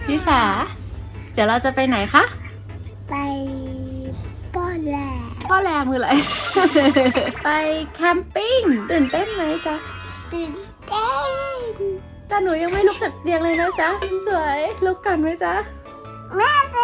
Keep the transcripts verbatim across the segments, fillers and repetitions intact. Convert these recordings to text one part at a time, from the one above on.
ลิสาเดี๋ยวเราจะไปไหนคะไปป้อนแหลพ่อแรมืออะไร ไปแคมปิ้งตื่นเต้นไหมจ๊ะตื่นเต้นแต่หนูยังไม่ลุกจากเตียงเลยนะจ๊ะสวยลุกก่อนไหมจ๊ะแม่ไป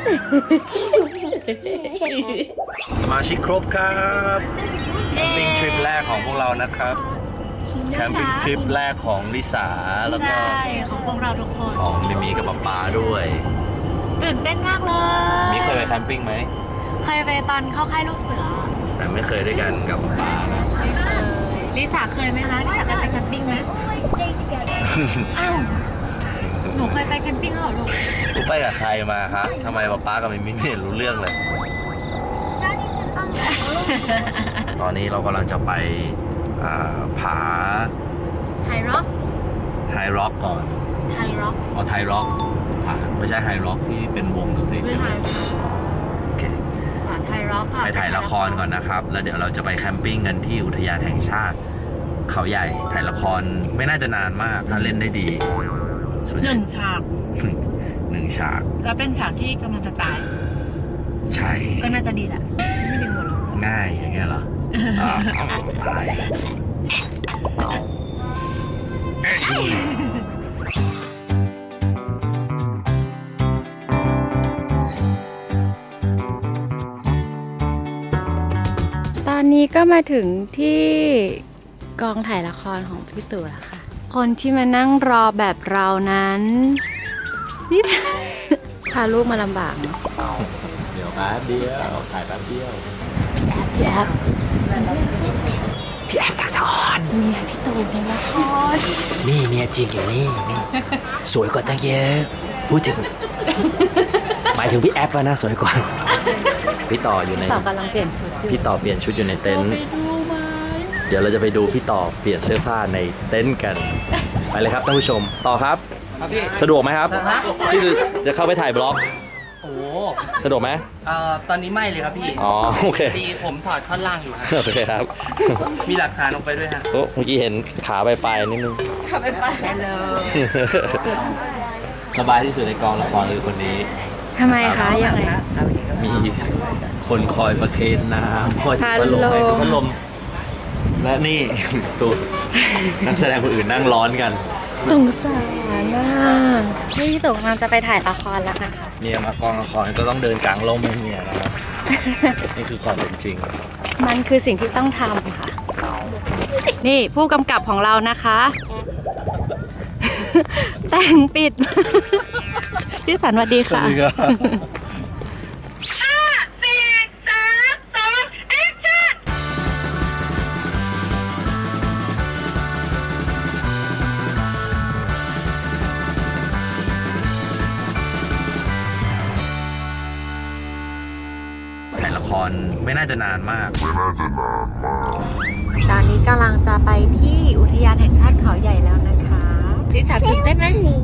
สมาชิกครบครับแคมปิ้งทริปแรกของพวกเรานะครับแคมปิ้งทริปแรกของลิสาแล้วก็ใช่ของพวกเราทุกคนของมิมีกับป๊าป๊าด้วยตื่นเต้นมากเลยมิเคยไปแคมปิ้งไหมเคยไปตอนเข้าค่ายลูกเสือแต่ไม่เคยด้วยกันกับป๊าป๊านะไม่เคยลิสาเคยไหมคะลิสาเคยไปแคมปิ้งไหม stay together อ้าวหนูเคยไปแคมปิ้งแล้วเหรอลูกรู้ไปกับใครมาคะทำไมป๊าป๊ากับมิมิไม่เห็นรู้เรื่องเลย ตอนนี้เรากำลังจะไปอ่าผาไฮร็อกไฮร็อกก่อนไฮร็อกอ๋อไทร็อกผาไม่ใช่ไฮร็อกที่เป็นวงดนตรีไม่ใช่ไหไฮมโอเคไฮร็อกค่ะไปถ่ายละครก่อนนะครับ แล้วเดี๋ยวเราจะไปแคมปิ้งกันที่อุทยานแห่งชาติ เขาใหญ่ ถ่ายละครไม่น่าจะนานมาก ถ้าเล่นได้ดีส่วนหใญ่นึ่งฉากหนึ่งฉากแล้วเป็นฉากที่กำลังจะตายใช่ก็น่าจะดีแหละไม่ดึงหมดหรอกง่ายอย่างเงี้ยเหรออ่าตายนี่ตอนนี้ก็มาถึงที่กองถ่ายละครของพี่ตู่แล้วค่ะ คนที่มานั่งรอแบบเรานั้นนี่ พาลูกมาลำบากเนอะเดี๋ยวแป๊บเดียวถ่ายแป๊บเดียวพี่แอฟพี่แอฟทักษะอ่อนเมียพี่ตู่ในละครนี่เมียจริงอยู่นี่นี่สวยกว่าตั้งเยอะพูดถึง หมายถึงพี่แอปอะนะสวยกว่าพี่ต่ออยู่ในต่อกำลังเปลี่ยนชุดอยู่พี่ต่อเปลี่ยนชุดอยู่ในเต็นท์ไปดูไหมเดี๋ยวเราจะไปดูพี่ต่อเปลี่ยนเสื้อผ้าในเต็นท์กัน ไปเลยครับท่านผู้ชม ต่อครับครับพี่สะดวกไหมครับพี่จะจะเข้าไปถ่ายบล็อกโอ้สะดวกไหมเอ่อตอนนี้ไม่เลยครับพี่อ๋อโอเคดีผมถอดท่อนล่างอยู่ฮะโอเคครับมีหลักฐานออกไปด้วยฮะโอ้เมื่อกี้เห็นขาไปลายๆนิดนึงขับไปไปฮัลโหลสบายที่สุดในกองละครคือคนนี้ทำไมคะยังไงมีคนคอยประเคนน้ำคอยพัดลมให้พัดลม และนี่ ตัวนักแสดงคนอื่นนั่งร้อนกันสงสารน่ะพี่ตู่กำลังจะไปถ่ายละครแล้วนะคะเนี่ยมากองละครก็ต้องเดินกลางร่มให้เนี่ยนะครับ นี่คือความเป็นจริงมันคือสิ่งที่ต้องทำค่ะ นี่ผู้กำกับของเรานะคะ แต่งปิด พี่สันสวัสดีค่ะถ่ายละครไม่น่าจะนานมากตอนนี้กำลังจะไปที่อุทยานแห่งชาติเขาใหญ่แล้วนะคะลิสาตื่นเต้นไหม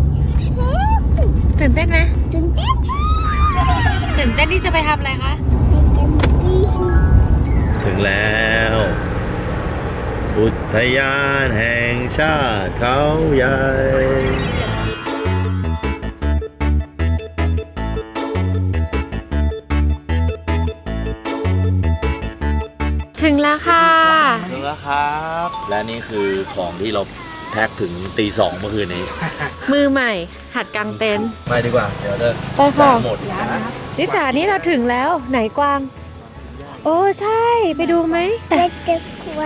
ตื่นเต้นไหมตื่นเต้นตื่นเต้นที่จะไปทำอะไรคะไปแคมปิ้งถึงแล้ว อุทยานแห่งชาติเขาใหญ่ถึงแล้วค่ะถึงแล้วครับ และนี่คือของที่เราแพ็คถึงตีสองเมื่อคืนนี้มือใหม่ หัดกางเต็นท์ไปดีกว่า เดี๋ยวจะไปค่ะหมดลิสานี่เราถึงแล้วไหนกวาง โอ้ใช่ไปดูไหมไปจะกว่า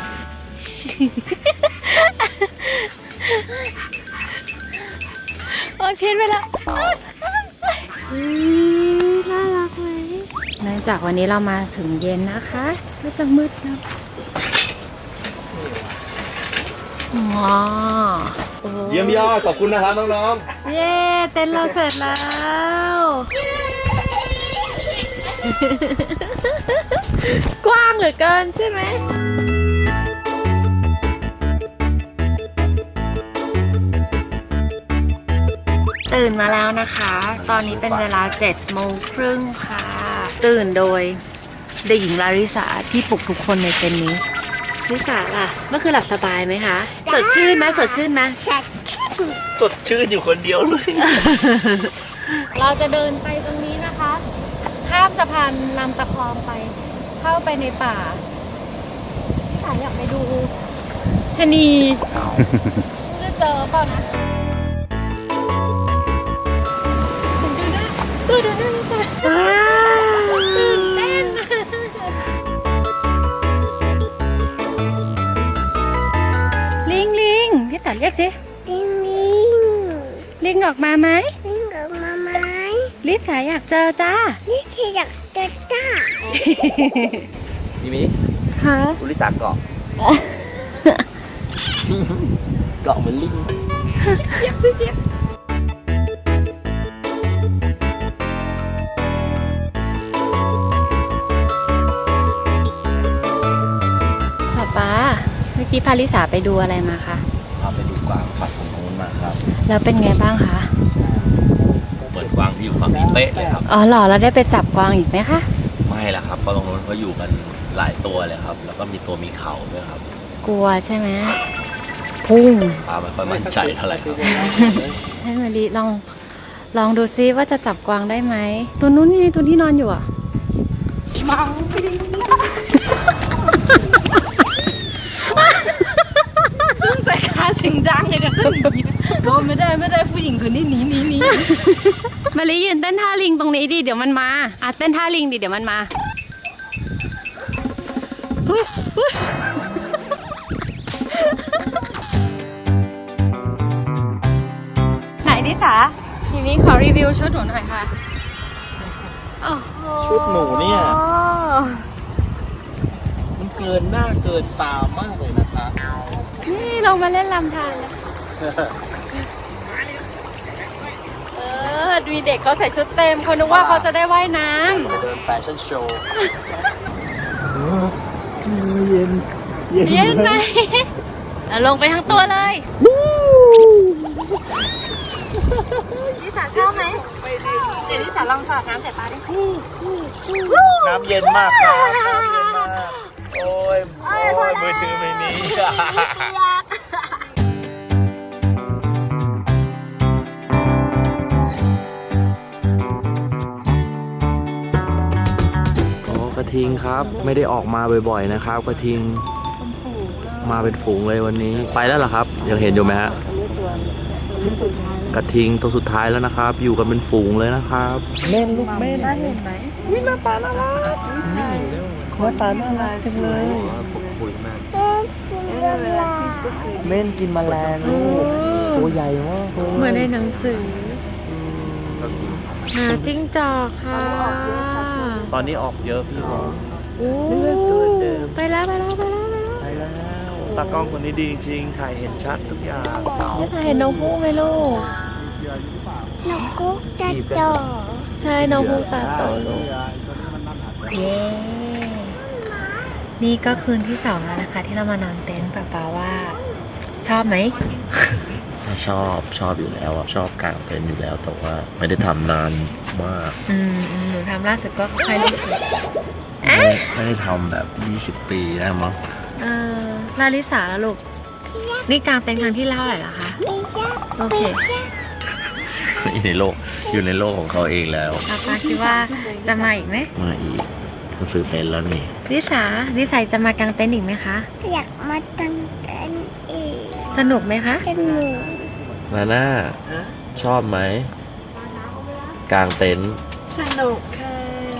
โอ้พิษไปแล้วน่ารักไหมเนื่องจากวันนี้เรามาถึงเย็นนะคะก็จะมืดนะว้าวโอ้เยี่ยมยอดขอบคุณนะครับน้องเย้เต้นเราเสร็จแล้ว กว้างเหลือเกินใช่ไหม ตื่นมาแล้วนะคะ ตอนนี้เป็นเวลาเจ็ดโมงครึ่งค่ะ ตื่นโดยเด็กหญิงลาริสาที่ปลุกทุกคนในเต็นท์นี้ลิสาล่ะ เมื่อคืนหลับสบายไหมคะ สดชื่นไหมสดชื่นไหมสัตว์สดชื่นอยู่คนเดียวเลยเราจะเดินไปตรงนี้นะคะ ข้ามสะพานลำตะคองไป เข้าไปในป่าพี่สายอยากไปดูชะนีจะเจอเปล่านะดูหน้าดูหน้าตื่นเต้นลิงลิงพี่สายเรียกสิลิงลิงลิงออกมาไหมลิงกับมาไหมลิสายอยากเจอจ้านี่คืออยากเจอจ้าพี่มิฮะอุลิสาเกาะ เกาะเหมือนลิงเจี๊ยบสิเจี๊ยบป๊าป๊าเมื่อกี้พาลิสาไปดูอะไรมาคะพาไปดูกวางฝั่งตรงนู้นมาครับแล้วเป็นไงบ้างคะเปิดกวางที่อยู่ฝั่งนี้เป๊ะเลยครับอ๋อเหรอแล้วได้ไปจับกวางอีกไหมคะไม่ละครับเพราะตรงนู้นเขาอยู่กันหลายตัวเลยครับ แล้วก็มีตัวมีเขาด้วยครับกลัวใช่ไหมพุ่งปลาไม่ค่อยมั่นใจเท่าไหร่ครับให้มาลิลองลองดูซิว่าจะจับกวางได้ไหมตัวนู้นนี่ตัวที่นอนอยู่อ่ะมังไม่ได้ซึ่งใส่ขาเสียงดังเลยกันบอกไม่ได้ไม่ได้ผู้หญิงคนนี้หนีหนีหนีมาลิยืนเต้นท่าลิงตรงนี้ดิเดี๋ยวมันมาอ่ะเต้นท่าลิงดิเดี๋ยวมันมาไหนดิสาทีนี้ขอรีวิวชุดหนูหน่อยค่ะโอ้โหชุดหนูเนี่ย มันเกินหน้าเกินตามากเลยนะคะนี่ลงมาเล่นลำธารแล้วเออมีเด็กเขาใส่ชุดเต็มเขานึกว่าเขาจะได้ว่ายน้เดินแฟชั่นโชว์ำเย็นเย็นไหมอ่ะลงไปทั้งตัวเลยลิสาชอบไหมเดี๋ยวลิสาลองสาดน้ำใส่ปลาดิน้ำเย็นมากครับน้ำเย็นมาก โอ้ยโอ้ยมือถือไม่มี อ๋อกระทิงครับไม่ได้ออกมาบ่อยๆนะครับกระทิงมาเป็นฝูงเลยวันนี้ไปแล้วเหรอครับยังเห็นอยู่ไหมฮะกระทิงตัวสุดท้ายแล้วนะครับ อยู่กันเป็นฝูงเลยนะครับเม่นลูกเม่นเห็นไหมวินาตาน่ารักขอตาน่ารักจังเลยเม่นกินแมลงลูกตัวใหญ่มากเหมือนในหนังสือหาจิ้งจอกค่ะตอนนี้ออกเยอะพี่บอกโอ้ไปแล้วไปแล้วไปแล้วไปแล้วตากล้องคนนี้ดีจริงถ่ายเห็นชัดทุกอย่างไม่เห็นน้องผู้ไหมลูกนกกุ๊กจะโตใช่น้องผู้ตาโตลูกเย้นี่ก็คืนที่สองแล้วนะคะ ที่เรามานอนเต็นท์ป๊าป๊าว่าชอบไหมชอบชอบอยู่แล้วชอบกางเต็นท์อยู่แล้วแต่ว่าไม่ได้ทำนานมากอืมอืมหนูทำล่าสุดก็ค่อยรู้สึกไม่ไม่ได้ทำแบบยี่สิบปีได้มั้งเออลาลิสาแล้วลูก นี่กางเต็นท์ครั้งที่เท่าไหร่ละคะไม่ใช่โอเคอยู่ในโลกอยู่ในโลกของเขาเองแล้วป๊าป๊าคิดว่าจะมาอีกไหมมาอีกก็ซื้อเต็นท์แล้วนี่ลิสาลิสาจะมากางเต็นท์อีกไหมคะอยากมาตั้งแต่อีกสนุกไหมคะเป็นหมูนาน่าชอบไหมกางเต็นท์สนุกค่ะ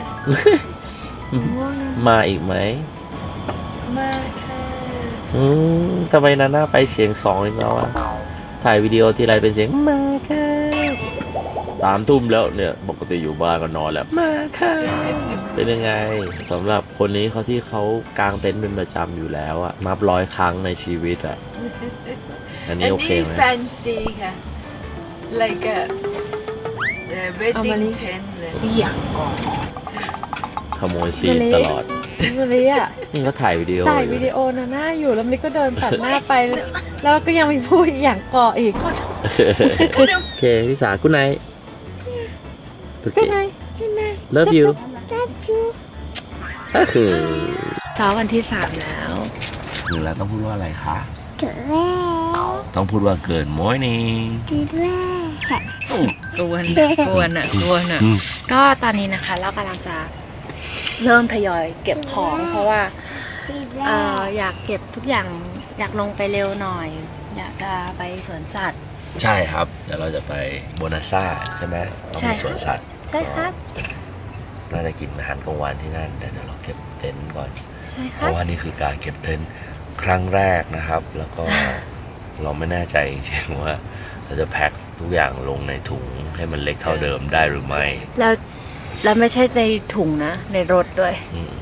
มาอีกไหมมากค่ะอืมทำไมนาน่าไปเสียงสองอีกแล้วอะถ่ายวิดีโอทีไรเป็นเสียงมาค่ะสามทุ่มแล้วเนี่ยปกติอยู่บ้านก็นอนแล้วมาค่ะเป็นยังไงสำหรับคนนี้เขาที่เขากางเต็นท์เป็นประจำอยู่แล้วอะนับร้อยครั้งในชีวิตอะอันนี้โอเคไหมแฟนซีค่ะ like a wedding tent เลยอย่างก่อนขโมยซีนตลอดมาลิอ่ะนี่เขาถ่ายวิดีโอถ่ายวิดีโอนะหน้าอยู่แล้วมันก็เดินตัดหน้าไป แล้วก็ยังมีพูดอย่างก่ออีกโอเคพี่สากุ๊ดไนท์โอเคก็ไง love you รับยูก็คือเช้าวันที่สามแล้วหนึ่งแล้วต้องพูดว่าอะไรคะเจอแล้วต้องพูดว่าเกิด morning ดีแรกกวนกวนอ่ะกวนอ่ะ ก็ตอนนี้นะคะเรากำลังจะเริ่มทยอยเก็บของ เพราะว่าดีแรเอ่อก อยากเก็บทุกอย่างอยากลงไปเร็วหน่อย อยากจะไปสวนสัตว์ใช่ครับ เดี๋ยวเราจะไปโบนาซ่าใช่ไหมต้องใช่มีค่ะสวนสัตว์ใช่ครับน่าจะกินอาหารกลางวันที่นั่นแต่เดี๋ยวเราเก็บเต็นท์ก่อนใช่คเพรับราะว่านี่คือการเก็บเต็นท์ครั้งแรกนะครับ แล้วก็เราไม่แน่ใจจริงๆว่าเราจะแพ็คทุกอย่างลงในถุงให้มันเล็กเท่าเดิมได้หรือไม่แล้วแล้วไม่ใช่ในถุงนะ ในรถด้วยอืม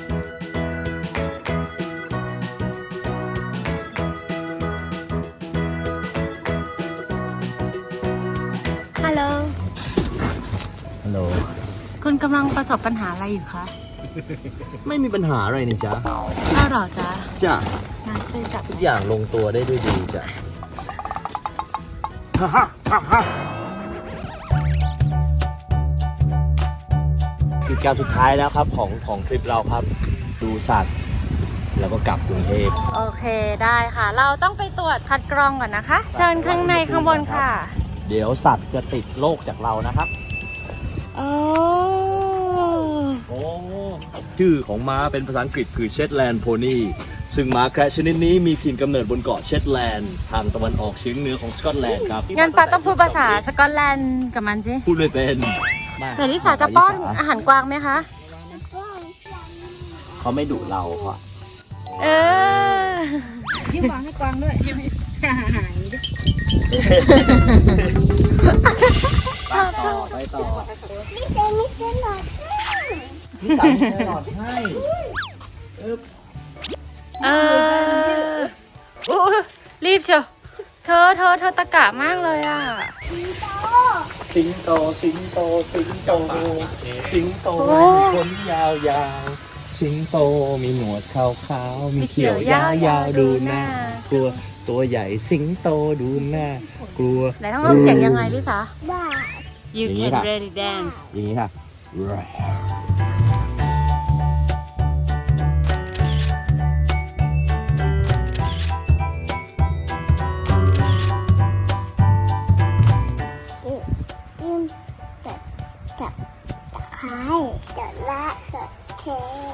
ฮัลโหลฮัลโหลคุณกำลังประสบปัญหาอะไรอยู่คะไม่มีปัญหาอะไรนี่จ๊ะอ้าวเหรอจ๊ะจ้ะมาช่วยจับทุกอย่างลงตัวได้ด้วยดีจ้ะกิจกรรมสุดท้ายแล้วครับของของทริปเราครับ ดูสัตว์ แล้วก็กลับกรุงเทพโอเคได้ค่ะ เราต้องไปตรวจคัดกรองก่อนนะคะ เชิญข้างในข้างบนค่ะเดี๋ยวสัตว์จะติดโรคจากเรานะครับโอ้โอ้ชื่อของม้าเป็นภาษาอังกฤษคือเชตแลนด์โพนีซึ่งม้าแคระชนิดนี้มีถิ่นกำเนิดบนเกาะเชตแลนด์ทางตะวันออกเฉียงเหนือของสกอตแลนด์ครับงั้นปาต้องพูดภาษาสกอตแลนด์กับมันสิพูดไม่เป็นเดี๋ยวลิสาจะป้อนอาหารกวางไหมคะเขาไม่ดุเราเพราะเออยิ้มวางให้กวางด้วยยิ้มให้หายดิชอบชอบไปต่อไม่ใช่ไม่ใช่หรอกนี่สามแครอทให้เออโอ้รีบเชียวเธอเธอเธอตะกะมากเลยอ่ะสิงโตสิงโตสิงโตสิงโตโอ้มีขนยาวๆสิงโตมีหนวดขาวๆมีเขียวยาวๆดูหน้ากลัวตัวใหญ่สิงโตดูหน้ากลัวไหนต้องทำเสียงยังไงลิสาบ้า You อย่างนี้ can ค่ะ really dance อย่างนี้ค่ะจิ้มจัดจับตะไคร้จัดละจัดเท